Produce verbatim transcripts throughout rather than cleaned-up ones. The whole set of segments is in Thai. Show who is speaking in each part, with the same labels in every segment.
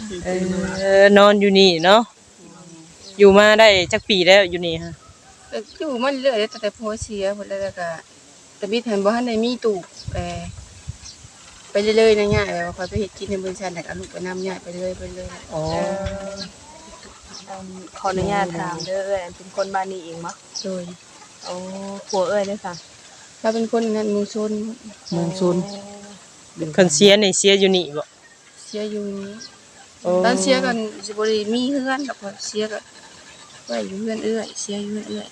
Speaker 1: เออนอนอยู่นี่เนาะอยู่มาได้จักปีแล้วอยู่นี่ฮะ
Speaker 2: ก็อยู่มาเรื่อยๆตั้งแต่พ่อเสียพุ่นแล้วก็แต่บิดหันบ่ทันได้มีตู้แปรไปเรื่อยๆนะย่าแบบว่าค่อยไปเฮ็ดกินในบริษัทแล้วก็เอาลูกไปนำย่าไปเรื่อยไปเรื่อย
Speaker 1: อ๋อ
Speaker 3: อืมขออนุญาตถามเด้อเอ้ยอันเป็นคนบ้านนี้เองบ่
Speaker 2: โดย
Speaker 3: โอ้ผัวเอ้ยเด้อค่ะ
Speaker 2: เราเป็นคนนั้นหมู่ชน
Speaker 4: เมืองซุน
Speaker 1: เพิ่นเสียนี่เสียอยู่นี่บ่
Speaker 2: เสียอยู่นี้
Speaker 1: โอ้
Speaker 2: ตอนเสียกันสิบ่ได้มีเฮือนดอกว่าเสียก็ไว้อยู่เฮือนเอื้อยเสียอยู่เฮือนเอื้อย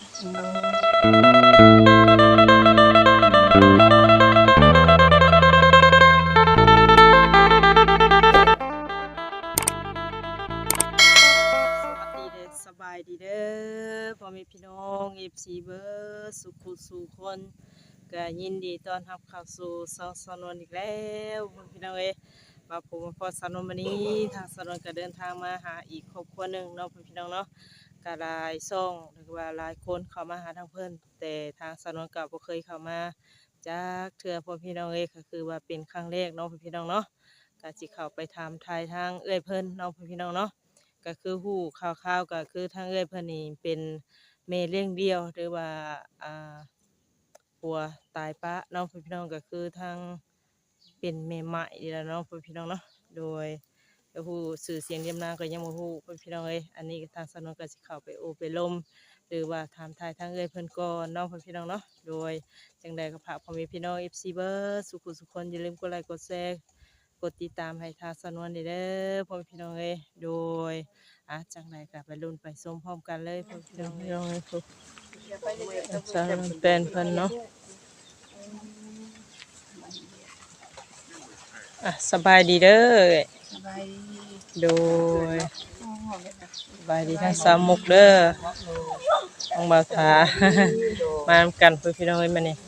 Speaker 1: สวัสดีเด้อสบายดีเด้อพ่อแม่พี่น้อง เอฟ ซี เบิดสุขุสู่คนก็ยินดีต้อนรับเข้าสู่ช่องสนวนอีกแล้วพี่น้องเอ้ยมาพบมาพอสนวนวันนี้ทางสนวนก็เดินทางมาหาอีกครอบครัวหนึงเนาะพี่น้องเนาะก็หลายช่องหรือว่าหลายคนเข้ามาหาทางเพิ่นแต่ทางสนวนก็บ่เคยเข้ามาจากเทื่อพ่อพี่น้องเอ้ยก็คือว่าเป็นครั้งแรกเนาะพี่น้องเนาะก็สิเข้าไปถามทายทางเอื้อยเพิ่นเนาะพี่น้องเนาะ ก็คือฮู้ข่าวๆก็คือทางเอื้อยเพิ่นนี่เป็นแม่เลี้ยงเดี่ยวหรือว่าอ่าผัวตายปะเนาะพี่น้องก็คือทางเป็นแม่ใหม่นี่แหละเนาะพี่น้องเนาะโดยก็ฮู้ชื่อเสียงเรียมนามก็ยังบ่ฮู้พี่น้องเอ้ยอันนี้ทางสนวนก็สิเข้าไปโอไปลมหรือว่าถามทายทางเอื้อยเพิ่นก่อนเนาะพี่น้องเนาะโดยจังใดก็ฝากพ่อแม่พี่น้อง เอฟ ซี เบิดสุขสุขคนอย่าลืมกดไลค์กดแชร์กดติดตามให้ทางสนวนนี่เด้อพ่อแม่พี่น้องเอ้ยโดย อ่ะจังไรกับไปรุ่นไปส้มพร้อมกันเลยพวกพี่น้องพี่น้องเลยพวกสารเป็นเพิ่นเนาะอ่ะสบายดีเด้อ
Speaker 2: สบายดี
Speaker 1: โดยสบายดีทั้งสามมุกเด้อต้องบ่าวทา มานำกันพวกพี่น้องเอ้ยมานี่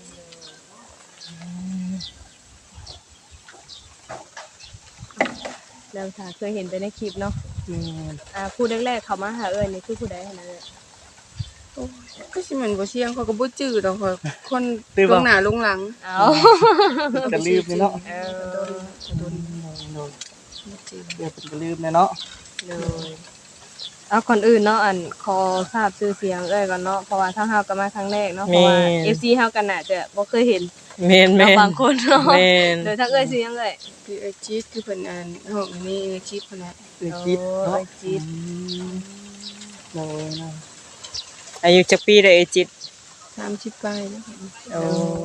Speaker 3: แล้วถ้าเคยเห็นไปในคลิปเนาะ
Speaker 4: อืม
Speaker 3: อ่าผู้แรกๆเขามาหาเอ้ยนี่คือผู้ใดหั่นน่ะเอ้ย
Speaker 2: โอ้ยก็สิแม่นบ่เสียงเขาก็บ่จื้อดอกค่ะคนลงหน้าลงหลัง
Speaker 3: เอ้า
Speaker 4: ก็ลืมเลยเนาะ
Speaker 3: เออ
Speaker 4: โดนเดี๋ยวเป็นก็ลืมเลยเนาะ
Speaker 3: เลยเอาก่อนอื่นเนาะอันขอทราบชื่อเสียงเอ้ยก่อนเนาะเพราะว่าทางเฮาก็มาครั้งแรกเนาะเพราะว่า เอฟ ซี เฮากันน่ะจะบ่เคยเห็น
Speaker 1: แม่นแม่น
Speaker 3: บางคนเนาะ
Speaker 1: แม่น
Speaker 3: โดยทางเอ้ยชื่อหยังเอ้ย
Speaker 2: คือไอ้จี๊ดคือเพิ่นอ่านห้องอันนี้ไอ้จี๊ดเพิ่นน่ะ
Speaker 4: คือคิดเนาะ
Speaker 3: โอ้ยจิต
Speaker 4: โดยนะ
Speaker 1: อายุจักปีได้เอยจิต
Speaker 2: สามสิบปลายแล้วค่ะ
Speaker 1: โอ้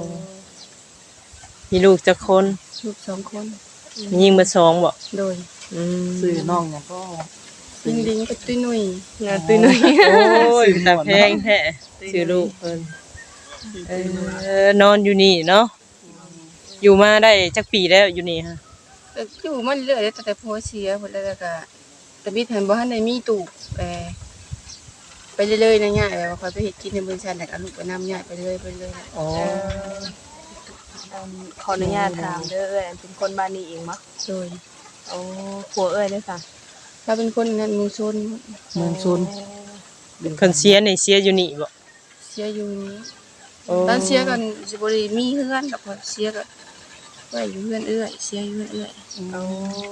Speaker 1: มีลูกจักคน
Speaker 2: ลูกสองคน
Speaker 1: มียิงเบอร์สองบ่
Speaker 2: โดย
Speaker 1: อืม
Speaker 4: ซื้อน้องเนี่ยก็
Speaker 2: ลิงลิงกับตุ้ยหนุ่ย
Speaker 3: งานตุ้ยหนุ่ย
Speaker 1: โอ้ยตาแพงแท้ชื่อลูกเพิ่นเออนอนอยู่นี่เนาะอยู่มาได้จักปีแล้วอยู่นี่ฮะ
Speaker 2: ก็อยู่มาเรื่อยๆตั้งแต่พ่อเสียพุ่นแล้วก็แต่บิดหันบ่ทันได้มีตู้แปรไปเรื่อยๆนะย่าแบบว่าค่อยไปเฮ็ดกินในบริษัทแล้วก็เอาลูกไปนำย่าไปเรื่อยไปเรื่อย
Speaker 1: อ๋อ
Speaker 3: อืมขออนุญาตถามเด้อเอ้ยอันเป็นคนบ้านนี้เองบ่
Speaker 2: โดย
Speaker 3: โอ้ผัวเอ้ยเด้อค่ะ
Speaker 2: เราเป็นคนนั้นหมู่ชน
Speaker 4: เมืองซุน
Speaker 1: เพิ่นเสียนี่เสียอยู่นี่บ่
Speaker 2: เสียอยู่นี้
Speaker 1: โอ้
Speaker 2: ตอนเสียกันสิบ่ได้มีเฮือนดอกว่าเสียก็ไว้อยู่เฮือนเอื้อยเสียอยู่เฮือนเอื้อย
Speaker 3: โอ้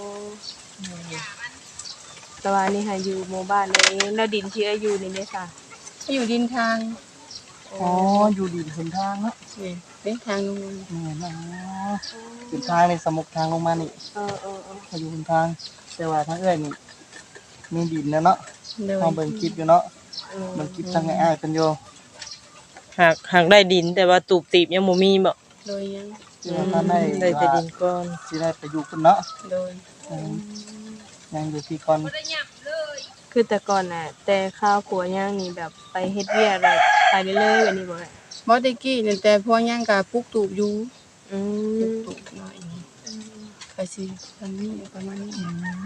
Speaker 3: แต่ว่านี่ค่ะอยู่หมู่บ้านนี้แล้วดินที่เอ้ยอยู่นี่เด้อค่ะ
Speaker 2: ก็อยู่ดินทาง
Speaker 4: อ๋ออยู่ดีเห็นทางเนาะ
Speaker 2: นี่เป็นทางลงมา
Speaker 4: นี่นะเป็นทางในสมุกทางลงมานี่
Speaker 3: เออเออเออ
Speaker 4: เขาอยู่บนทาง แต่ว่าทางเอ้อยนี่มีดินแล้วเนาะ
Speaker 2: โดย
Speaker 4: พอเบิ่งคลิปอยู่เนาะ
Speaker 3: เออ
Speaker 4: เบิ่งคลิปทางอ้ายๆเป็นอยู่
Speaker 1: หากหากได้ดินแต่ว่าตูบตีบยังบ่มีบ่
Speaker 2: โดยยัง
Speaker 4: ที่ว่าท่านได้
Speaker 1: ได้แต่ดินก่อน
Speaker 4: สิได้ไปอยู่พุ่นเนาะ
Speaker 2: โดย
Speaker 4: อืมยังอยู่ที่ก่อน
Speaker 3: คือแต่ก่อนน่ะ แต่ข้าวผัวย่างนี่แบบไปเฮ็ดเวียกอะไรไปเรื่อยๆแบบนี้บ่แม่
Speaker 2: บ่ได้กี้นั่นแต่พ่อย่างก็ปลูกตูบอยู่
Speaker 3: อื
Speaker 2: ปลูก
Speaker 3: ม
Speaker 2: ตูบหน่อยนี่ก็สิประมาณนี้ประมาณนี้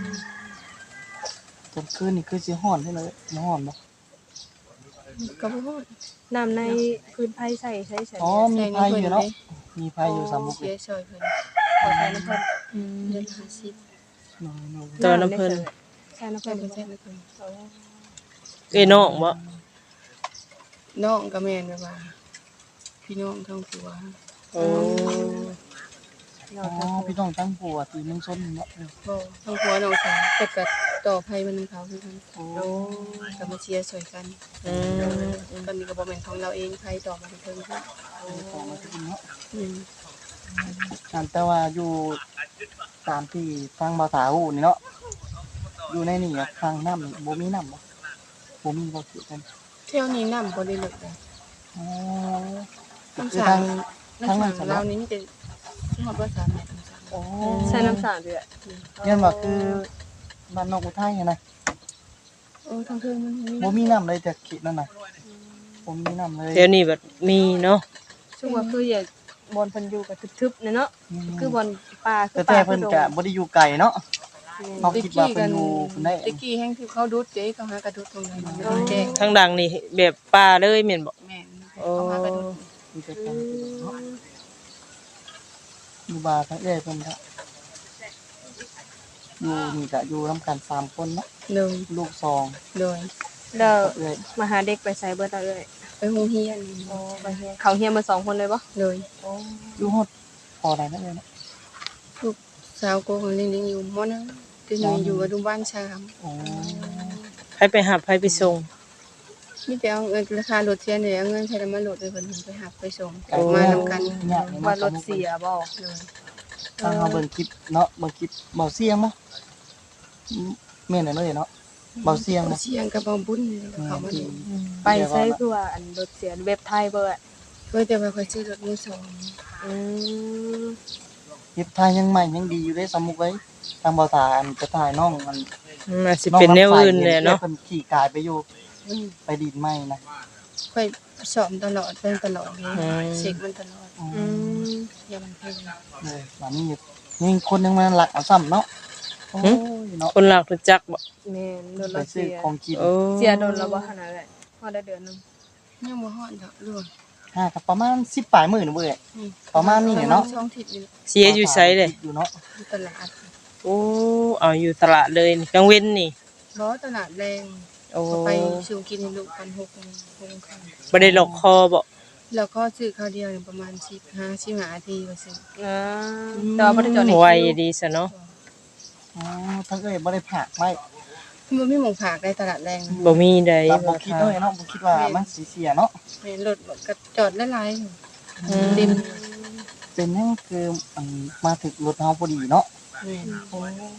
Speaker 4: จนคืนนี่คือสิฮ้อนให้เลยบ่ฮ้อนบ่
Speaker 2: ก็บ่ฮอด
Speaker 3: น้ำในพื้นไผ่ใส่ใช้ใส่
Speaker 4: อ๋อมีไฟอยู่เนาะมีไฟอยู่สามมุก
Speaker 2: เสี
Speaker 4: เลย ย
Speaker 2: ซอยเพิ่น
Speaker 3: ขอใส่น้ำเพิ่น
Speaker 2: อืมเดือนห้าสิบ
Speaker 4: น้อย
Speaker 1: ตอนน้ำเพิ่น
Speaker 3: ใส่น้ำ
Speaker 2: ใช่
Speaker 3: เพิ่น
Speaker 2: เพิ่นใช่เพิ่น
Speaker 3: เอา
Speaker 1: เอ้ยน้องบ่
Speaker 2: น้องก็แม่นแบบว่า พี่น้องทั้งผัว
Speaker 1: โอ้
Speaker 4: ๆอ๋อพี่น้องตั้งผัวตีเมืองชนเนาะ
Speaker 2: บ่ทั้งผัวน้องสาวแต่ก็ต่อภัยมันนำเขาคือกัน
Speaker 4: โอ้
Speaker 2: ก็มาเชียร์ช่วยกัน
Speaker 1: อืม
Speaker 2: ตอนนี้ก็บ่แม่นของเราเองภัยต่อมาเพิ่นค่ะ
Speaker 4: ต่อมาถึงเนาะ
Speaker 2: อืม
Speaker 4: อันแต่ว่าอยู่ตามที่ทางภาษาฮู้นี่เนาะอยู่ในนี่อะทางน้ำนี่บ่มีน้ำบ่บ่มีบ่คือกัน
Speaker 2: เที่ยวนี้น้ำบ่ได้เลิกเลย
Speaker 4: อ๋อ
Speaker 2: น้ำ
Speaker 4: คือ
Speaker 2: สา
Speaker 4: ทาง
Speaker 2: น้ำ
Speaker 4: ทาง
Speaker 2: สา
Speaker 4: นั้น
Speaker 2: ง
Speaker 4: สำ
Speaker 2: เรา
Speaker 4: เนาะ
Speaker 2: นี่มีแต่ฮอดบ่สามเมตรน้ำสาง
Speaker 4: โอ้
Speaker 3: ใช้น้ำสาเดือด
Speaker 4: เรียนว่าคือบ้านนอกอุทัยอะนะ
Speaker 2: เออทางเทิงมันมี
Speaker 4: บ่มีน้ำเลยจากเขตนั่นน่ะบ่มีน้ำเลย
Speaker 1: เดี๋ยวนี้แบบมีเนาะ
Speaker 3: ช่วงว่าคืออย่าบอลเพิ่นอยู่กับทึบๆเนี่ยเนาะ
Speaker 4: อืม
Speaker 3: คือบอลป่าคื
Speaker 4: แต่
Speaker 3: อ
Speaker 4: แต่
Speaker 3: ป่า
Speaker 4: เพิ่น
Speaker 3: คือดง
Speaker 4: ก็บ่ได้อยู่ไกลเนาะ เขาคิดว่าเพิ่นอยู่เพิ่นได้
Speaker 2: ตะกี้แห่งที่เขาดุดเจ๊เขาหากระดุดตรงนั้นมันไม่ได้แจ้ง
Speaker 1: ทางดังนี่แบบป่าเลยแม่นบ่
Speaker 2: แม่น
Speaker 1: โอ้
Speaker 2: เขาหากระดุด
Speaker 4: มีแต่การเนาะอยู่บ้านทั้งเอ้ยเพิ่นก็อยู่นี่ก็อยู่นํกันสามคนเนาะ
Speaker 2: เลย
Speaker 4: ลูกสอง
Speaker 2: เลย
Speaker 3: แล้ว
Speaker 4: กับเอ้ย
Speaker 3: มาหาเด็กไปใส่เบิดเอาเอ้ย
Speaker 2: ไปโรงเรียน
Speaker 3: โอ้ไปเฮียนเขาเฮียนมาสองคนเลยบ่
Speaker 2: เลย
Speaker 4: อยู่ฮอดพอได้นั่นเลยเนาะ
Speaker 2: ลูกสาวโกของลิงลิงอยู่มอนะคือหนูอยู่อนุบาลสาม
Speaker 4: โอ้
Speaker 1: ใครไปหาใครไปส่ง
Speaker 2: มีแต่เอาเงินราคารถเสียเนี่ยเอาเงินใช้แล้วมาโหลดไปเพิ่นไปหับไปส่งมานำกัน
Speaker 4: ยากเลย
Speaker 3: ว่ารถเสียบ่
Speaker 2: เลย
Speaker 4: ทางเฮาเบิ่งคลิปเนาะเบิ่งคลิปเบาเสียงบ่อืมแม่นแน่เลยเนาะเบาเสียงบ่
Speaker 2: เสียงกับบ่บุญเขามานี่
Speaker 3: ไปใช้คือว่าอันรถเสียเว็บไทยเบิด
Speaker 2: เว้ยแต่ว่าค่อยซื้อรถมือสอง
Speaker 3: อืม
Speaker 4: คลิปถ่ายยังใหม่ยังดีอยู่เด้สมมุติไว้ทางเบาตาอันจะถ่ายน้องมัน
Speaker 1: มันสิเป็นแนวอื่นแหละเนาะ
Speaker 4: เพิ่นขี่กายไปอยู่
Speaker 2: อืม
Speaker 4: ไปดีดไม้นะ
Speaker 2: ค่อยสอบตลอดเบิ่งตลอดเลยเช็คมันตลอด
Speaker 3: อืม
Speaker 2: อย่ามันเพิ่ง
Speaker 4: เลยหลานนี่นี่คนยังมาหลักเอาซ้ำเนาะโอ้ยเนาะ
Speaker 1: คนหลักรู้จักบ่
Speaker 3: แม่นรถ
Speaker 4: ไป
Speaker 3: เรา
Speaker 4: ซื้
Speaker 3: เสี
Speaker 4: อย ของกิน
Speaker 1: โอ้
Speaker 3: เสียโดนแล้วบ่ขนาดนั้นพอได้เดือนหนึง
Speaker 2: ยังบ่ฮอดดอกรวม
Speaker 4: ห้ากับประมาณสิบปลายหมื่นเว้ย ประมาณนี้เนี่ยเนาะ
Speaker 2: ช่องทิศนี่
Speaker 1: เสียอยู่ไสเลย
Speaker 4: อยู่เนาะ
Speaker 2: อยู่ตลาด
Speaker 1: โอ้เอาอยู่ตลาดเลยนี่กลางเว้นนี่
Speaker 2: บ่ตลาดแรง
Speaker 1: โอ้
Speaker 2: ก็ไปซื้อกินให้ลูกกันหกโมงหกโมงครึ่ง
Speaker 1: บ่ได้หลอกคอบ่
Speaker 2: แล้วก็ซื้อข้าวเดียวเนี่ยประมาณสิบห้า สิบห้านาทีก็ซื้อ
Speaker 3: อ่าแต่ว่าบ่ได้จอดใน
Speaker 1: ไว
Speaker 3: คิว
Speaker 1: ดีซะเนาะ
Speaker 4: อ๋อทั้งเอ้ยบ่ได้ผักไว้
Speaker 2: มันมีหมองผากได้ตลาดแรง
Speaker 1: บ่มีใด
Speaker 4: เราบ่คิดเลยเนาะบ่คิดว่ามันสิเสียเนาะ
Speaker 2: แม่นรถก็จอดหลายๆอยู่
Speaker 1: อืม
Speaker 2: เต็ม
Speaker 4: เป็นหยังคือมันมาถึงรถเฮาพอดีเนาะ
Speaker 2: แม่น
Speaker 4: โอ้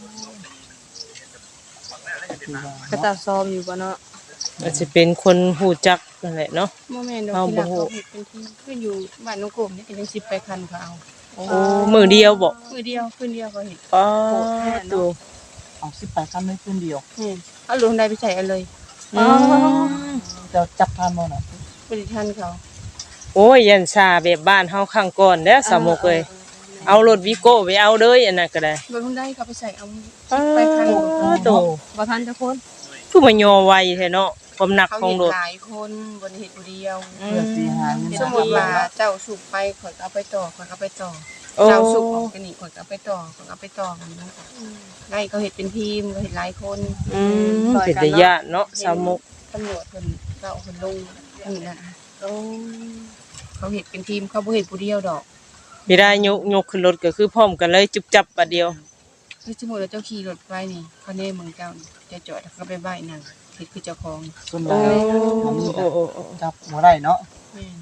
Speaker 4: คือว่า
Speaker 3: ก็
Speaker 4: เนาะ
Speaker 3: ตาซ้อมอยู่บ่เนาะ
Speaker 1: อาจจะเป็นคนฮู้จักนั่นแหละเนาะ
Speaker 2: บ่แม่นดอก
Speaker 1: เอา
Speaker 2: ที่
Speaker 1: บ่
Speaker 2: รัก
Speaker 1: ฮู้
Speaker 2: เขาเฮ็ดเป็นที่คืออยู่บ้านน้องโกมนี่ก็ยังสิบไปคันเขาเอา
Speaker 1: โอ้มือเดียวบ่
Speaker 2: มือเดียวคืนเดียวก็เฮ็ด
Speaker 1: ป้าตู
Speaker 4: เอาสิบปลายคันได้คืนเดียว
Speaker 2: แม่นเอาลงได้ไปใส่เอาเลย
Speaker 1: อืม
Speaker 4: จะจับทานบ่น่ะ
Speaker 2: บริทันเขา
Speaker 1: โอ้ยยันชาแบบบ้านเฮาข้างก่อนเด้อสามมุกเอ้ยเอารถวิโก้ไปเอาเด้ออันนั้นก็ได้
Speaker 2: บ่ลงได้เขาไปใส่เอา
Speaker 1: ป้า
Speaker 2: ไปคัน
Speaker 1: ตู
Speaker 3: บ่ทันจะคน
Speaker 1: คือมายอไวแท้เนาะความหนัก
Speaker 2: เขา
Speaker 1: ของ
Speaker 2: เห็น
Speaker 1: รถ
Speaker 2: หลายคนบ่ได้เฮ็ดผู้เดียว
Speaker 1: อื
Speaker 4: เพื่อสิหาเงิน
Speaker 2: สมมุติว่าเจ้าสุกไปข่อยก็เอาไปต่อข่อยก็เอาไปต่อ
Speaker 1: โอ้
Speaker 2: เจ้าสุกออกกันนี่ข่อยก็เอาไปต่อข่อยก็เอาไปต่อกันนะได้เขาเฮ็ดเป็นทีมเขาเฮ็ดหลายคน
Speaker 1: อืมเป็นตาญาติเนาะสามมุก
Speaker 2: ตำรวจเพิ่นก็เอาเพิ่นลงนี่นะ
Speaker 3: โอ้
Speaker 2: เขาเฮ็ดเป็นทีมเขาบ่เฮ็ดผู้เดียวดอก
Speaker 1: มีได้ยกยกขึ้นรถก็คือพร้อมกันเลยจุบจับบัดเดียว
Speaker 2: คือสมมุติว่าเจ้าขี่รถไปนี่เขาแน่เมืองเจ้านี่จะจอดแล้วก็ไปบ้ายนั่งเฮ็ดคือเจ้าของ
Speaker 4: ส่วนให
Speaker 1: โอ้
Speaker 4: ญ่อันนี้
Speaker 1: โอ้
Speaker 4: ก็
Speaker 1: โอ้โอ้
Speaker 4: จับบ่ได้เนาะ
Speaker 2: แม่น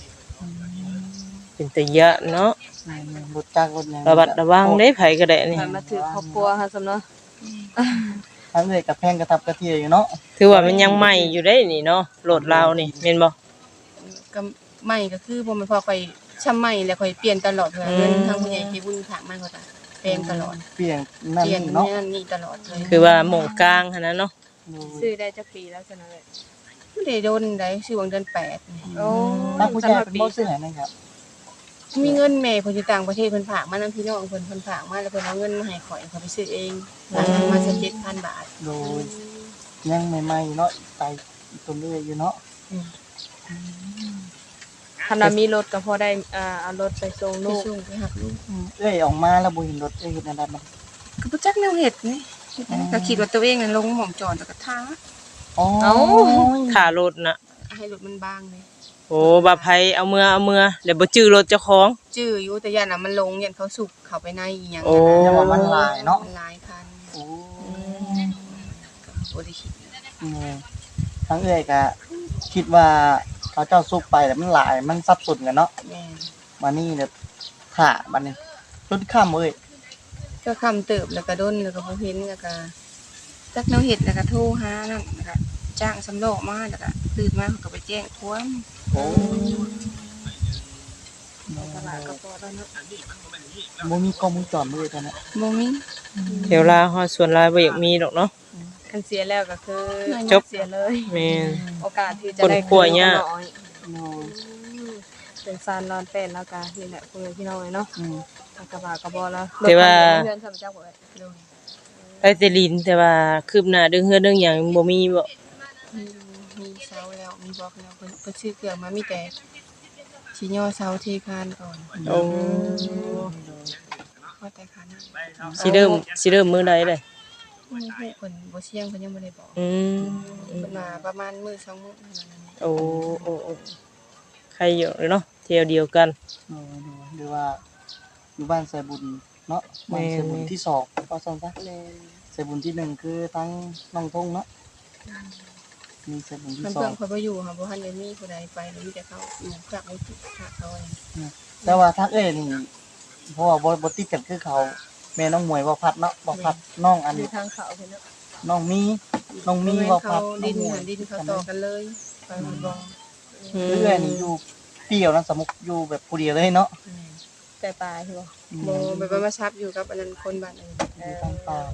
Speaker 1: เป็นตาญาติเนาะ
Speaker 4: รถจักรรถหยัง
Speaker 1: ระบัดระวังเด้ไผก็ได้นี่
Speaker 3: มันมาถือครอบครัวค่ะสำเนาะ
Speaker 4: ทั้งเลยกับแพงกระทับกระเทียอยู่เนาะ
Speaker 1: ถือว่ามันยังใหม่อยู่ได้นี่เนาะรถเรานี่แม่นบ่
Speaker 2: ก็ไม่ก็คือบ่แม่นพอข่อยช้ำใหม่แล้วข่อยเปลี่ยนตลอดเลยเงินทางผู้ใหญ่ที่บุญฝากมาเขาก็แปลงตลอด
Speaker 4: เปลี่ยนนั่น
Speaker 2: เปลี่ยน
Speaker 4: นี่เนาะ
Speaker 2: นั่นนี่ตลอดเลย
Speaker 1: คือว่าหม่องกลางหั่นน่ะเนาะ
Speaker 3: ซื้อได้จักปีแล้วจังนั้นเลย
Speaker 2: ไม่ได้โดนได้ชื่อวังเดือนแปดนี่
Speaker 3: โอ้
Speaker 4: ถ้าผู้ชายเป็นบ่ซื้อให้นะครับ
Speaker 2: มีเงินแม่เพิ่นอยู่ต่างประเทศเพิ่นฝากมานำพี่น้องเพิ่นเพิ่นฝากมาแล้วเพิ่นเอาเงินมาให้ข่อยข่อยไปซื้อเองมาสักเจ็ดพันบาท
Speaker 4: โดยยังใหม่ๆเนาะไปตัวเรื่อยอยู่เนาะ
Speaker 3: คันว่ามีรถก็พอได้อ่าเอารถไปส่ง
Speaker 2: ไป
Speaker 3: ลูก
Speaker 2: ส่งไปหักลูก
Speaker 4: เอ้ยออกมาแล้วบ่เห็นรถเอ้ยเฮ็ดอันนั้นมัน
Speaker 2: ก็บ่จักแนวเฮ็ดนี่ก็คิดว่าตัวเองน่ะลงหม่องจอดแล้วก็ท้า
Speaker 4: อ๋อ
Speaker 1: เอ้าขารถน่ะ
Speaker 2: ให้รถมันบางเลย
Speaker 1: โอ้บ่าไผเอาเมื่อเอาเมื่อแล้วบ่จื้อรถเจ้าของ
Speaker 2: จื้ออยู่แต่ย่านน่ะมันลงยันเขาสุกเข้าไปในอีหยัง
Speaker 1: โอ้
Speaker 4: ยังว่ามันหลายเนาะ
Speaker 2: มันหลายคัน
Speaker 4: โอ้
Speaker 2: บ่ได้คิด
Speaker 4: อืมทั้งเอ้อยก็คิดว่าเขาเจ้าซุกไปแล้วมันหลายมันสับสนกันเนาะ
Speaker 2: แม่น
Speaker 4: มานี่เนี่ยถ่าบัดนี้จนค่ำเอ้ย
Speaker 2: ก็คำเติบแล้วก็ดนแล้วก็บ่เห็นแล้วก็จักแนวเฮ็ดแล้วก็โทรหานั่นแล้วก็จ้างสำรองมาแล้วก็ตื่นมาเขาก็ไปแจ้งความ
Speaker 4: โอ้
Speaker 2: ตลาดก็พอแล้วเนาะ
Speaker 4: บ่มีกล้องวงจรเลยตอนนั้น
Speaker 2: บ่มี
Speaker 1: เดี๋ยวลาฮอดส่วนลายบ่อยากมีดอกเนาะ
Speaker 3: คันเสียแล้วก็คือ
Speaker 1: จบ
Speaker 3: เสียเลย
Speaker 1: แม่น
Speaker 3: โอกาสที่จะ
Speaker 1: คน
Speaker 3: ได้
Speaker 1: กลัวยาก
Speaker 3: ก็น้อย
Speaker 4: โอ้
Speaker 3: เป็นซานนอนเป็นแล้วก็นี่แหละคุณพี่น้องเนาะ
Speaker 4: อืม
Speaker 3: กระบะกระบอแล้ว
Speaker 1: แต่ว่า
Speaker 3: เพื่อนทำเจ้าบ่ได้
Speaker 1: ไปแต่ลินแต่ว่าคืบหน้าเรื่องเฮือนเรื่องหยังบ่มีบ่
Speaker 2: มีมีเสาแล้วมีบล็อกแล้วเพิ่นเพิ่นซื้อเครื่องมามีแต่สิย่อเสาเทคานก่อน
Speaker 1: โอ้
Speaker 2: พอแต่คานนั้น
Speaker 1: สิเริ่มสิเริ่มมื้อใดเด้
Speaker 2: ฮู้เพิ่นบ่เสี่ยงเพิ่นยังบ่ได้บอก
Speaker 1: อืม
Speaker 2: เพิ่นมาประมาณมื้อสองมื้อเท่านั้น
Speaker 1: โอ้โอ้โอ้ใครอยู่เนาะเที่ยวเดียวกัน
Speaker 4: โอ้ดูหรือว่าอยู่บ้านใส่บุญเนาะบ้านใส่บุญที่สองก็ซั่นซะ
Speaker 2: แม่น
Speaker 4: ใส่บุญที่หนึ่งคือทั้งน้องทงเนาะมีใส่บุญที่
Speaker 2: เพิ่น
Speaker 4: สอ
Speaker 2: เพิ่
Speaker 4: ง
Speaker 2: นเขาบ่อยู่ค่ะบ่ทันได้มีผู้ใดไปแล้วมีแต่เขาอยู่ฝากไว้ที่ฝากเขาเอง
Speaker 4: แต่ว่าทักเอ้ยนี่เพราะว่าบ่บ่ติดกันคือเขาแม่น้องมวยบ่พัดเนาะบ่พัดน้องอัน
Speaker 3: อยู่ทางเขาเพิ่นเนาะ
Speaker 4: น้องมีน้องมี
Speaker 2: บ่
Speaker 4: บ่
Speaker 2: เขา
Speaker 4: พัด
Speaker 2: ดิน
Speaker 4: องมว
Speaker 2: หั
Speaker 4: ย
Speaker 2: นดินเขาต่อกันเลยไปหมดบ่
Speaker 1: อืม
Speaker 4: คือเอ้ยนี่อยู่เปรี้ยวนะสมุกอยู่แบบผู้เดียวเลยเนาะ
Speaker 3: แต่ปลาใช่บ่
Speaker 2: บ่ไปบ่มาชับอยู่กับอันนั้นคนบ้านอื่น
Speaker 4: อยู่ทางป่า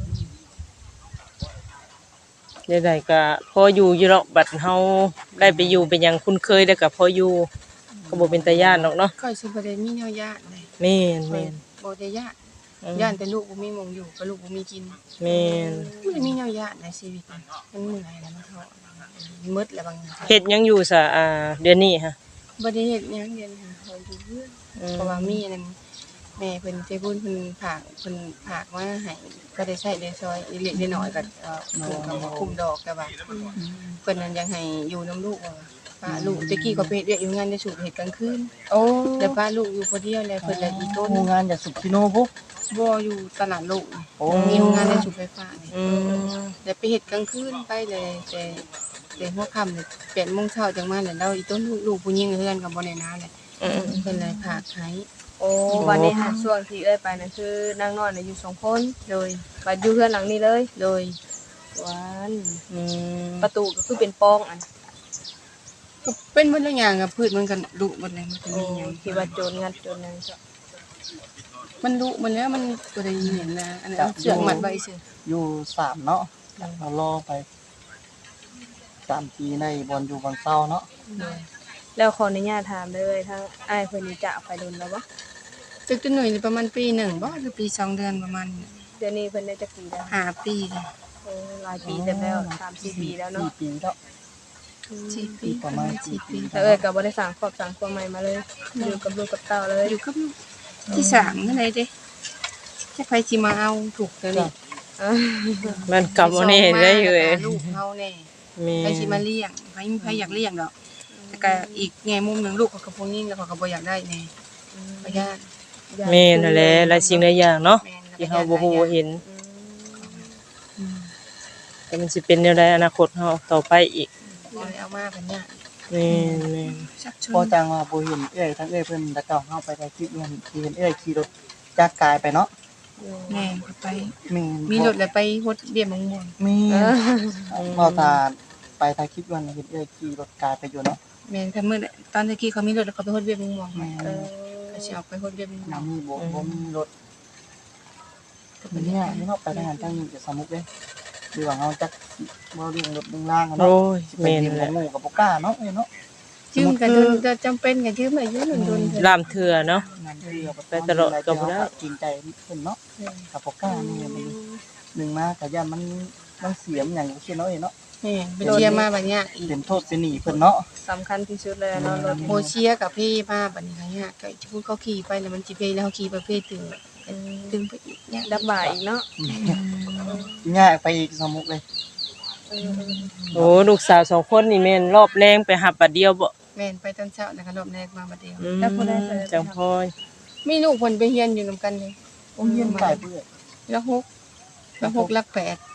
Speaker 1: ใดๆก็พออยู่อยู่เนาะบัดเฮาได้ไปอยู่เป็นหยังคุ้นเคยแล้วก็พออยู่ก็บ่เป็นตาย่านดอกเนาะ
Speaker 2: ค่อยสิบ่ได้มีแนวญาติเลย
Speaker 1: แม่นแม่น
Speaker 2: บ่ได้ญาติ
Speaker 1: อืม
Speaker 2: ย่านแต่ลูกบ่มีหมองอยู่ก็ลูกบ่มีกิน
Speaker 1: แม่น
Speaker 2: บ่ได้มีแนวญาติในชีวิตมันมันเมื่อยแล้วมันท้อหมดแล้วบางอย่าง
Speaker 1: เฮ็ดหยังอยู่ซะอ่าเดือนนี้ฮะ
Speaker 2: บ่ได้เฮ็ดหยังเดือนหาเขาอยู่เพื่อน
Speaker 1: อืม
Speaker 2: เพราะว่ามีอันนั้นแม่เพิ่นใจบุญเพิ่นฝากเพิ่นฝากมาให้ก็ได้ใช้ได้ซอยเล็กๆน้อยๆก็เอ่อเพิ่นก็มาคุมดอกแต่ว่าเพิ่นนั้นยังให้อยู่นํลูกว่าป้าลูกตะกี้ก็ไปเฮ็ดเวียกอยู่งานจะสูบเฮ็ดกลางคืน
Speaker 1: โอ้
Speaker 2: แล้วป้าลูกอยู่คนเดียวแล้วเพิ่นละอีต้น
Speaker 4: โรงงานอย่าสุกิโนพุก
Speaker 2: บ่อยู่ตลาดโลก
Speaker 4: โอ้
Speaker 2: มีโรงงานได้สูบไฟฟ้านี่
Speaker 1: อืม
Speaker 2: แล้วไปเฮ็ดกลางคืนไปเลยแต่แต่หัวค่ำนี่แปดโมงเช้าจังมาแล้วเราอีต้นลูกลูกผู้หญิงเฮือนก็บ่ได้นาเลย
Speaker 1: อืม
Speaker 2: เพิ่นเลยฝากให้
Speaker 3: โอ้วันนี้หาช่วงที่เอ้ยไปนั่นคือนางนอนน่ะอยู่สองคน
Speaker 2: โดย
Speaker 3: บัดอยู่เพื่อนหลังนี้เลย
Speaker 2: โดย
Speaker 3: วัน
Speaker 1: อืม
Speaker 3: ประตูก็คือเป็นปองอัน
Speaker 2: ก็เป็นเบิดละอย่างอะพืชมันก็ลุหมดเลยมันก็
Speaker 3: โอ้
Speaker 2: มีหยัง
Speaker 3: ที่ว่าโจรงัดโจรนั่นจ้ะ
Speaker 2: มันลุหมันแล้วมันบ่ได้เห็นนะอันนั้นเอาเชือกมัดไว้ซื่อ
Speaker 4: อยู่สามเนาะเรารอไปสามปีในบอลอยู่บางเศร้าเนาะ
Speaker 3: แล้วขออนุญาตถามเลยทั้งอ้ายเพิ่นนี่จะไปโดนแล้วบ่
Speaker 2: ตึกตัวหน่วยนี่ประมาณปีหนึ่งบ่หรือปีสองเดือนประมาณนี้
Speaker 3: เดี๋ยวนี้เพิ่นได้จักปีแล้ว
Speaker 2: ห้าปีเลย
Speaker 3: โอ้หลายปีเต็มแล้วสามสี่ปีแล้วเนาะ
Speaker 4: สี่ปีแล้ว
Speaker 2: สี่ปี
Speaker 4: ประมาณ
Speaker 2: สี่ปี
Speaker 3: แต่เอ้ยก็บ่ได้สร้างครอบสร้างครัวใหม่มาเลยอยู่กับลูกกับเต้าเลย
Speaker 2: อยู่กับลูกที่สามนั่นเลยเด้จะไปสิมาเอาถูกแล้วนี่
Speaker 3: อ่า
Speaker 1: มันกลับมานี่ได้อยู่เอ้ย
Speaker 2: ลูกเฮาแน่
Speaker 1: แม่
Speaker 2: ไปสิมาเลี้ยงไปมีใครอยากเลี้ยงดอกแต่ก็อีกแง่มุมหนึงลูกเขาก็บ่ยิ่งแล้วเขาก็บ่อยากได้แน่บ่ญาติ
Speaker 1: แม่นั่นแหละหลายสิ่งหลายอย่างเนาะ
Speaker 2: แม่น
Speaker 1: ที่เฮาบ่ฮู้บ่เห็น
Speaker 2: อืม
Speaker 1: แต่มันสิเป็นแนวใดอนาคตเฮาต่อไปอีก
Speaker 2: บ่ได้เอามาเป็นญาติ
Speaker 1: แม่นแม่น
Speaker 2: ชักช
Speaker 4: พอ
Speaker 2: วน
Speaker 4: จังว่าบ่เห็นเอ้ยทั้งเอ้ยเพิ่นตะเก่าเฮาไปได้คลิปเงินที่เห็นเอ้ยขี่รถจักรกายไปเนาะ
Speaker 2: แม่ก็ไป
Speaker 4: แม่น
Speaker 2: มีรถแล้วไปฮดเบี้ยมะม่วง
Speaker 4: มี
Speaker 3: เออ
Speaker 4: พอตาไปถ่ายคลิปวันเห็นเอ้ยขี่รถกายไปอยู่เนาะ
Speaker 2: แม่นถ้ามื้อน่ะตอนตะกี้เขามีรถแล้วเขาไปฮดเบี้ยมะม่วง
Speaker 4: แม่
Speaker 3: เออ
Speaker 2: ก็สิออกไปฮดเบี้ยมะม่ว
Speaker 4: น้ำ
Speaker 2: ง
Speaker 4: มีบ่บ่มีรถมันเนี่ยนี่เฮาไปทางนั้นทางนี้จะสมุกเด้หรือว่าเฮาจักบ่เรื่องรถเรื่องล่างอะ
Speaker 1: โอ้
Speaker 4: เนาะ
Speaker 1: ย
Speaker 4: แม่
Speaker 1: แม่
Speaker 4: น
Speaker 1: น
Speaker 4: แห
Speaker 1: แห
Speaker 4: ละ
Speaker 1: ละ
Speaker 4: งูกับบ่กล้าเนาะเอ้ยเนาะ
Speaker 2: ยืมกันจนจะจำเป็นก็ยืมอายุหนึ่งโดนเถอะ
Speaker 1: ลามเถื่อเนาะ
Speaker 4: นั่นคือเอา
Speaker 1: ไปตลอดก็บ่ได้
Speaker 4: จริงใจเพิ่นเนาะกับบ่กล้านี่มันหนึ่งมาก็ย่านมันมันเสียมหยังจังซี่เนาะเอ้ยเนาะ
Speaker 2: แม่ไปเชียร์มาบัดเนี้ยอีก
Speaker 4: เป็นโทษเป็นหนี้เพิ่นเนาะ
Speaker 3: สำคัญที่สุดเลยเนาะรถ
Speaker 2: โมเชียร์กับพี่มาบัดนี้เนี่ยก็พูดเขาขี่ไปแล้วมันสิเพแล้วเขาขี่ประเภทถึงดึงไปอีกเนี่ย
Speaker 3: ดับบ่ายอีกเนาะ
Speaker 4: ง่ายไปอีกสมุกเลย
Speaker 1: โอ้ลูกสาวสองคนนี่แม่นรอบแรงไปหับบัดเดียวบ่
Speaker 2: แม่นไปตอนเช้าแล้วก็รอบแรกมาบัดเดียว
Speaker 1: อืมจังพอย
Speaker 2: มีลูกเพิ่นไปเรียนอยู่นํกันเลย
Speaker 4: โอ้เฮียนไก่เปื้อย
Speaker 2: แล้วหกแล้วหกลักแปด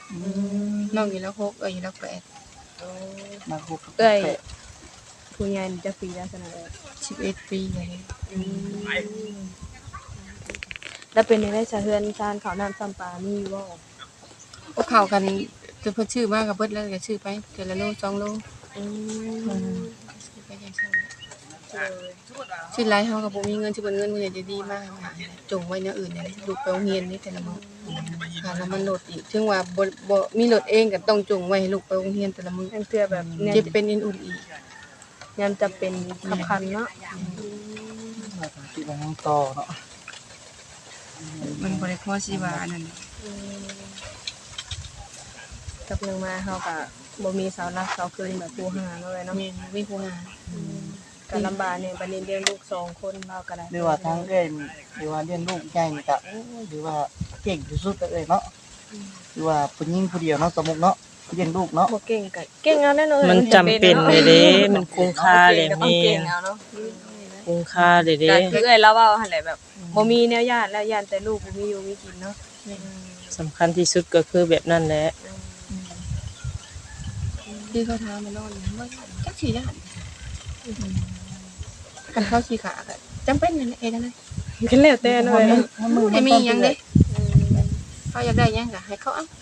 Speaker 2: น้องอยู่แล้วหกเอ้ยอยู่แล้วแปด
Speaker 4: มาคุก
Speaker 3: เอ้ยผู้ใหญ่นี่จะปีแล้วซั่นน่ะเอ้ย
Speaker 2: สิบเอ็ดปีเลย
Speaker 3: แล้วเป็นจังได๋ซะเฮือนชานข้าวน้ำซ้ำปลามีอยู่บ่
Speaker 2: พวกเขากันจะเพิ่นชื่อมากกับเบิดแล้วก็ชื่อไปเดือนละโลสองโล
Speaker 3: อืม
Speaker 2: ชื่อไปจังซั่นชื่อไรเฮาก็บ่มีเงินสิเบิ่นเงินมื้อนี้จะดีมากจงไว้แนวอื่นนี่ลูกไปโรงเรียนนี่แต่ละมื้อค่าน้ำมันรถอีกถึงว่าบ่บ่มีรถเองก็ต้องจงไว้ให้ลูกไปโรงเรียนแต่ละมื้อ
Speaker 3: ทั้งเทื่อแบบเนี่ย
Speaker 2: เจ็บเป็นอินอุ่นอีก
Speaker 3: ยามจะเป็นขับคันเนาะ
Speaker 4: มาทางที่ว่าน้องต่อเนาะ
Speaker 2: มันบ่ได้พอสิว่าอันนั้น
Speaker 3: กับหนึงมาเฮาก็บ่มีเสาหลักเสาเกินแบบผู้หาเนาะเอ้ยเนาะ
Speaker 2: แม่นมีผู้หา
Speaker 3: ก็ลำบากเนี่ยบัดนี้เลี้ยงลูกสองคนเราก็ได้
Speaker 4: หรือว่าทางเอ้ยหรือว่าเลี้ยงลูกใหญ่นี่ก็โอ้หรือว่าเก่งที่สุดเลยเนาะหรือว่าผู้หญิงผู้เดียวเนาะสมมุติเนาะเลี้ยงลูกเนาะ
Speaker 3: บ่เก่งก็เก่งเอาแน่นอน
Speaker 1: มันจำเป็นเลยเด้มันคุ้มค่าเลย
Speaker 3: มี
Speaker 1: แม่
Speaker 3: เก่งเอาเนาะ
Speaker 1: คุ้มค่าเลยเด้
Speaker 3: ก็คือเอ้ยเราเว้าหั่นแหละแบบบ่มีแนวญาติแล้วญาติแต่ลูกบ่มีอยู่มีกินเนาะ
Speaker 1: สำคัญที่สุดก็คือแบบนั้นแหละ
Speaker 2: ที่เขาถามมานอนเนี่ยว่าจักสิย่านกันเขาสิขาก็จำเป็นนั่นแหละเฮ็ดจังได๋
Speaker 3: ก็แล้วแต่เนาะเอ้ยเนาะ
Speaker 2: ให้มีหยังเด้เขาอยากได้หยังก็ให้เขาเอา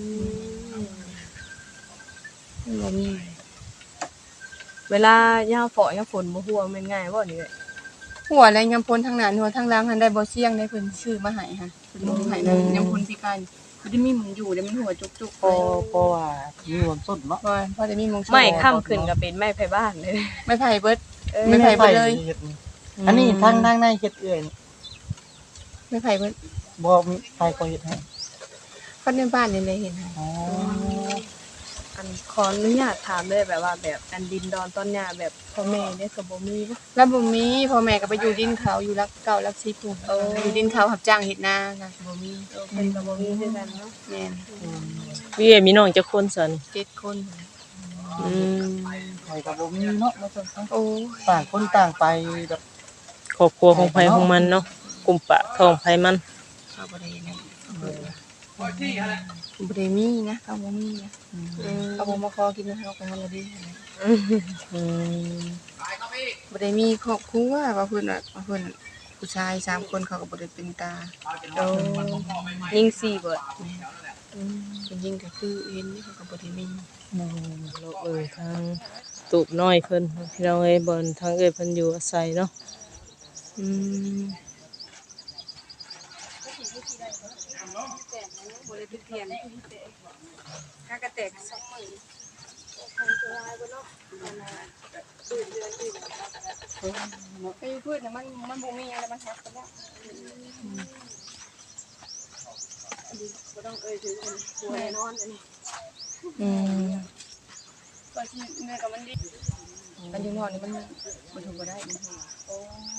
Speaker 2: บ่มี
Speaker 3: เวลายามฝนยามฝนบ่ฮู้ว่ามันง่ายบ่นี่เอ้ย
Speaker 2: หัวและยำพลทางหน้าหัวทางหลังหันได้บ่เสี่ยงได้เพิ่นซื้อมาให้ค่ะเพิ่นบ่ให้นะยำพลพิการบ่ได้มีหมุนอยู่ได้มันหัวจุกๆ
Speaker 4: เพราะเพราะว่ามีวันส้นเนาะ
Speaker 2: พอพอได้มีหมอง
Speaker 3: ไม่ค่ำขึ้นก็เป็นไม้ไผบ้านเลย
Speaker 2: ไม่ไผเบิด
Speaker 3: เออ
Speaker 2: ไม่ไผเบิดเลย
Speaker 4: ฮ็ดนี่อันนี้ทางทางในเฮ็ดเอื้อยนี่
Speaker 2: ไม่ไผเบิด
Speaker 4: บ่มีไผก็เฮ็ดให้
Speaker 2: คนในบ้านนี่เลยเห็นให้
Speaker 4: อ๋อ
Speaker 3: อันขออนุญาตถามเลยแบบว่าแบบอันดินดอนต้นหญ้าแบบพ่อแม่เนี่ยก็บ่มีบ่
Speaker 2: แล้วบ่มีพ่อแม่ก็ไปอยู่ดินเขาอยู่รักเก่ารักสิพุ่นอยู่ดินเขารับจ้างเฮ็ดนาก็บ่มี
Speaker 3: เพิ่นก็บ่มีคือกันเนาะ
Speaker 2: แม่น
Speaker 1: พี่เอ๋มีน้องจักคนซั่น
Speaker 2: เจ็ดคน
Speaker 1: อืม
Speaker 4: ไผก็บ่มีเนาะว่าซั่นซะ
Speaker 2: โอ้ย
Speaker 4: ต่างคนต่างไปแบบ
Speaker 1: ครอบครัวของไผของมันเนาะกลุ่มปะท้องไผมัน
Speaker 2: เขาบ่ได้นั่นเขาบ่ได้บ่ได้มีนะเขาบ่มีนะเขาบ่มาขอกินเฮาก็มันละดี
Speaker 1: อืม
Speaker 2: บ่ได้มีครอบครัวว่าเพิ่นว่าว่าเพิ่นผู้ชายสามคนเขาก็บ่ได้เป็นตา
Speaker 3: โอ้ยิงสี่เบิด
Speaker 2: เป็นยิ่งก็คือเห็นนี่เขาก็บ่ได้มี
Speaker 1: เราเอ่ยทางตูบน้อยเพิ่นพี่น้องเอ้ยบ่นทางเอ้ยเพิ่นอยู่อาศัยเนาะอืม
Speaker 2: บ่ได้เป็นเทียนถ้ากระแตกสองมื้อไปอยู่พืชน่ะมันมันบ่มีหยังแล้วมันหักไปแล้วบ่ต้องเอ่ยถึงอันหัวแน่นอนอันนี้
Speaker 1: อืม
Speaker 2: ก็สิเนื้อกับมันดีอันอยู่นอกนี่มันบ่ถูกบ่ได้มันถูกโอ้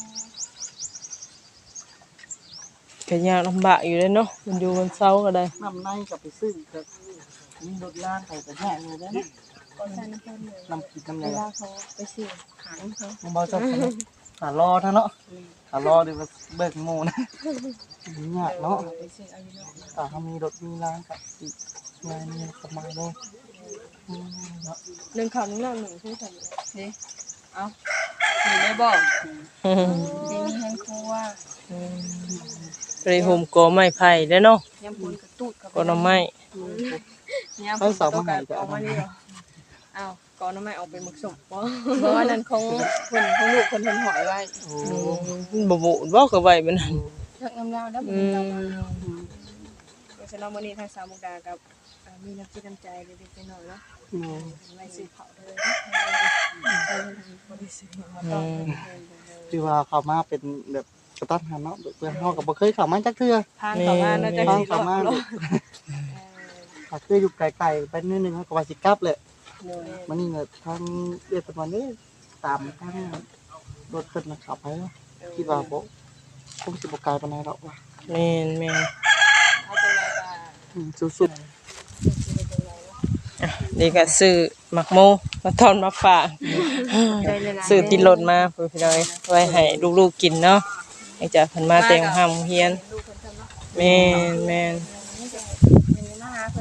Speaker 1: ก็ยากลำบากอยู่เลยเนาะมันอยู่บนเสาก็ได้
Speaker 4: น้ำในก็ไปซื้อก็มีรถล่างไปก็แย่เลยเด้อเนาะ
Speaker 2: ก็ใส่น้ำเพิ่นเลย
Speaker 4: น้ำกินน้ำ
Speaker 2: เว
Speaker 4: แดง
Speaker 2: ลาเขาไปซื้อขายเขา
Speaker 4: มันบ่ชอบกันเนาะหารอเท่าเนาะหารอเดี๋ยวว่าเบิกหมู่นะยากเนาะ
Speaker 2: ไปซื้อเอาอยู่นอก
Speaker 4: ถ้าเขามีรถมีร้านก็สิงานนี้สบายเลยอืมเนาะ
Speaker 3: หนึ่งข้าวหนึงน้ำหนึ่งคือกัน
Speaker 2: เด้เอาสิได้บ่
Speaker 1: อืม
Speaker 2: สิมีแฮงครัว
Speaker 1: ไปโฮมกอไม้ไผ่เด้อเนาะ
Speaker 2: ยำปูนกระตูดกับ
Speaker 1: กอหน่อไม้
Speaker 2: ยำปูนกระตูดกับออกมานี่เหรอ
Speaker 3: อ้าวก่อนน้ำไม้ออกไปหมึกสมบ่
Speaker 2: เพราะว่านั้นของเพิ่นของลูกเพิ่นเพิ่นหอยไว้
Speaker 4: โอ้
Speaker 1: อืมบ่บ่บ่ก็ไว้มันนั่น
Speaker 2: เลิกน้ำลาวแล้วบ่
Speaker 1: อื
Speaker 2: มี
Speaker 1: ม
Speaker 2: เรามา
Speaker 3: เพราะฉะนั้นมื้อนี้ทางสาวมุกดากับอ่ามีน้ำจิตน้ำใจเล็กๆน้อยๆเนาะไว้ซื้อข้าวเด้อบ่ได้ซื้อมาต้อง
Speaker 4: ที่ว่าเขามาเป็นแบบกระตันหันเนาะเพื่อนเฮาก็บ่เคยเข้ามาจักเทื่อ
Speaker 3: ทานเข้ามาเนาะจัง
Speaker 4: ทาง
Speaker 3: สิร
Speaker 4: เข้า
Speaker 3: อด
Speaker 4: มา
Speaker 3: รอด
Speaker 4: เขาเคยอยู่ไกลๆไปนิดนึงเขาก็ว่าสิกลับแหละ
Speaker 3: เออ
Speaker 4: มันนี่เนี่ยทางเรียกตะวันนี้ตามทางรถขึ้นนะครับไปเนาะคิดว่าบ่คงสิบ่ไกลปานใดดอกว่า
Speaker 1: แม่นแม่น
Speaker 3: เอาจังไดก็
Speaker 4: อืมสุด
Speaker 1: อ่ะนี่ก็ซื้อหมักโมมาทอนมาฝาก
Speaker 2: ใจเลยล่ะ
Speaker 1: ซื้อติดรถมาเพื่อพี่น้อยไว้ให้ลูกๆกินเนาะให้จากเพิ่นมาแต่งห้ามเฮียน
Speaker 2: ลูกเพิ่นทำเนาะ
Speaker 1: แม่นแม่น
Speaker 2: มีมาหาเพิ่นนี่จะไป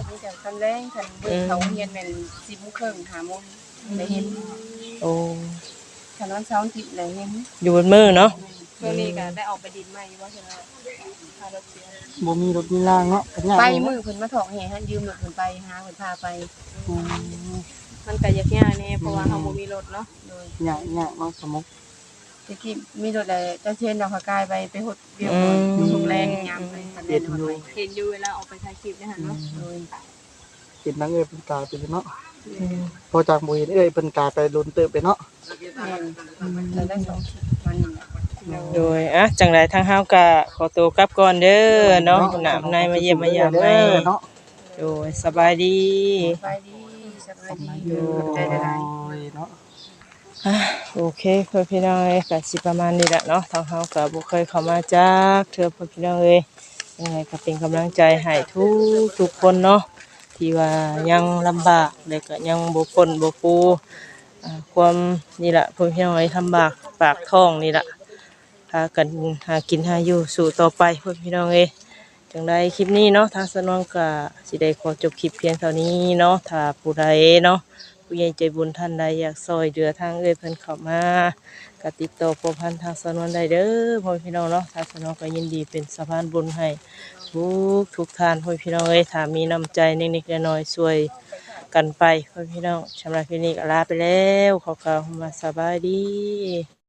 Speaker 2: คันแรงคันเบิ่งเขาเรียนแม่นสิบโมงครึ่งห้าโมงได้เห็น
Speaker 1: โอ้
Speaker 2: คันวันเสาร์อาทิตย์ได้เห็น
Speaker 1: อยู่บนมือเนาะ
Speaker 3: ช่วงนี้ก็ได้ออกไปดินใหม่อยู่ว่าซั่นว่าพารถเสีย
Speaker 4: บ่มีรถมีรางเนาะเป็นหยัง
Speaker 2: ไป
Speaker 4: เนาะ
Speaker 2: มือเพิ่นมาถอกแห่ให้ยืมรถเพิ่นไปหาเพิ่นพาไป
Speaker 4: อืม
Speaker 3: มันก็ยากๆแน่เพราะว่าเฮาบ่มีรถเนาะ
Speaker 2: โดย
Speaker 4: ยากยากเนาะสมุก
Speaker 2: ตะกี้มีรถได้จะเช่นดอกพะกายไปไปหดเดียวก่อนทุกแรงยามไปคันแล่นรถไป
Speaker 3: เห็นอยู่เวลาออกไปถ่ายคลิปเนี่ยหั่นเนาะ
Speaker 2: โดย
Speaker 4: เห็นนางเอ้ยเป็นกาไปเนาะพอจากบ่เห็นเอ้ยเป็นกาไปลุ้นเติบไปเนาะ
Speaker 2: แม่นแล้วได้สองคลิปวันนี้แหละ
Speaker 1: โดยอ่ะจังไดทางเฮาก็ขอตัวกลับก่อนเด้อเนาะน้ำในมาเยี่ยมมายาม
Speaker 4: เด้
Speaker 1: ให้
Speaker 4: อเนาะ
Speaker 1: โดยสบายดี
Speaker 2: สบายดีสบายดีอยู่ใจได้หลาย
Speaker 4: โอ้ยเนาะ
Speaker 1: อ่ะโอเคเพื่อนพี่น้องเอ้ยก็สิประมาณนี้แหละเนาะทางเฮาก็บ่เคยเข้ามาจักเทื่อเพื่อนพี่น้องเอ้ยยังไงก็เป็นกำลังใจให้ทุกทุกคนเนาะที่ว่ายังลำบากแล้วก็ยังบ่พ้นบ่ปูอ่าความนี่ล่ะเพื่อนพี่น้องเอ้ยลำบากปากท้องนี่ล่ะพากันหากินหาอยู่สู่ต่อไปเพื่อนพี่น้องเอ้ยจังไดคลิปนี้เนาะทางสนองก็สิได้ขอจบคลิปเพียงเท่านี้เนาะถ้าผู้ใดเนาะ ผู้ใหญ่ใจบุญท่านใดอยากซอยเดือทางเอ้ยเพิ่นเข้ามาก็ติดต่อพัวพันทางสนวนได้เด้อพ่อพี่น้องเนาะทางสนวนก็ยินดีเป็นสะพานบุญให้ทุกทุกท่านพ่อพี่น้องเอ้ยถ้ามีน้ำใจนิดๆน้อยๆช่วยกันไปพ่อพี่น้องสำหรับคลิปนี้ก็ลาไปแล้วขอกล่าวคำว่าสบายดี